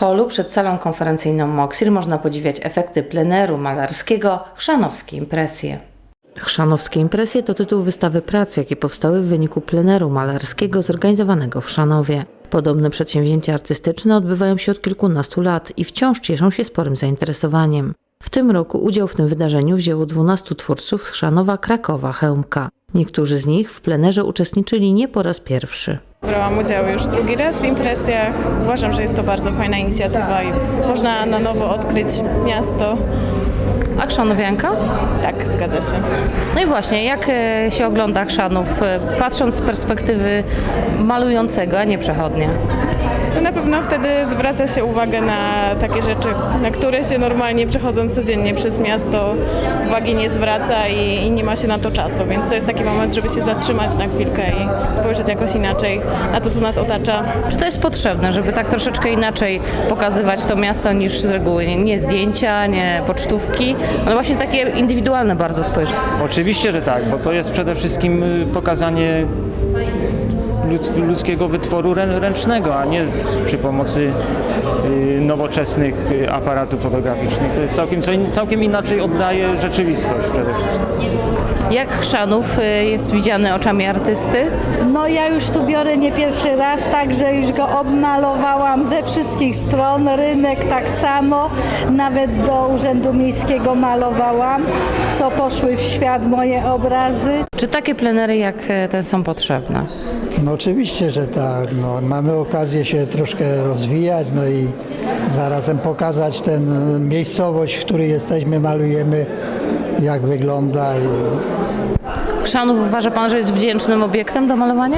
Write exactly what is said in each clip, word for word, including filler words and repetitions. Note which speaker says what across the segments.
Speaker 1: holu przed salą konferencyjną Moksir można podziwiać efekty pleneru malarskiego Chrzanowskie Impresje. Chrzanowskie Impresje to tytuł wystawy prac, jakie powstały w wyniku pleneru malarskiego zorganizowanego w Chrzanowie. Podobne przedsięwzięcia artystyczne odbywają się od kilkunastu lat i wciąż cieszą się sporym zainteresowaniem. W tym roku udział w tym wydarzeniu wzięło dwunastu twórców z Chrzanowa, Krakowa, Chełmka. Niektórzy z nich w plenerze uczestniczyli nie po raz pierwszy.
Speaker 2: Brałam udział już drugi raz w impresjach. Uważam, że jest to bardzo fajna inicjatywa i można na nowo odkryć miasto.
Speaker 1: A chrzanowianka?
Speaker 2: Tak, zgadza się.
Speaker 1: No i właśnie, jak e, się ogląda Chrzanów, e, patrząc z perspektywy malującego, a nie przechodnia?
Speaker 2: No na pewno wtedy zwraca się uwagę na takie rzeczy, na które się normalnie przechodząc codziennie przez miasto uwagi nie zwraca i, i nie ma się na to czasu, więc to jest taki moment, żeby się zatrzymać na chwilkę i spojrzeć jakoś inaczej na to, co nas otacza.
Speaker 1: Czy to jest potrzebne, żeby tak troszeczkę inaczej pokazywać to miasto niż z reguły? Nie, nie zdjęcia, nie pocztówki, ale właśnie takie indywidualne bardzo spojrzenie.
Speaker 3: Oczywiście, że tak, bo to jest przede wszystkim pokazanie ludzkiego wytworu ręcznego, a nie przy pomocy nowoczesnych aparatów fotograficznych. To jest całkiem, całkiem inaczej oddaje rzeczywistość przede wszystkim.
Speaker 1: Jak Chrzanów jest widziany oczami artysty?
Speaker 4: No ja już tu biorę nie pierwszy raz, także już go obmalowałam ze wszystkich stron, rynek tak samo, nawet do Urzędu Miejskiego malowałam, co poszły w świat moje obrazy.
Speaker 1: Czy takie plenery jak ten są potrzebne?
Speaker 5: No oczywiście, że tak. No, mamy okazję się troszkę rozwijać, no i zarazem pokazać tę miejscowość, w której jesteśmy, malujemy, jak wygląda. I...
Speaker 1: Chrzanów uważa pan, że jest wdzięcznym obiektem do malowania?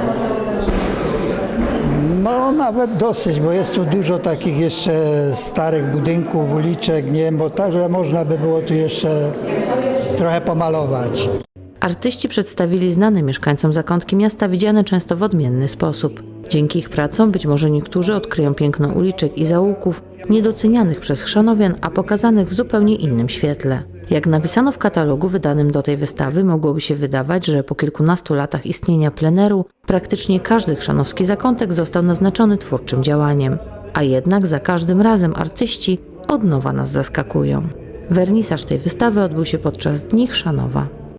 Speaker 5: No nawet dosyć, bo jest tu dużo takich jeszcze starych budynków, uliczek, nie wiem, bo także można by było tu jeszcze trochę pomalować.
Speaker 1: Artyści przedstawili znane mieszkańcom zakątki miasta widziane często w odmienny sposób. Dzięki ich pracom być może niektórzy odkryją piękno uliczek i zaułków niedocenianych przez chrzanowian, a pokazanych w zupełnie innym świetle. Jak napisano w katalogu wydanym do tej wystawy, mogłoby się wydawać, że po kilkunastu latach istnienia pleneru praktycznie każdy chrzanowski zakątek został naznaczony twórczym działaniem. A jednak za każdym razem artyści od nowa nas zaskakują. Wernisaż tej wystawy odbył się podczas Dni Chrzanowa.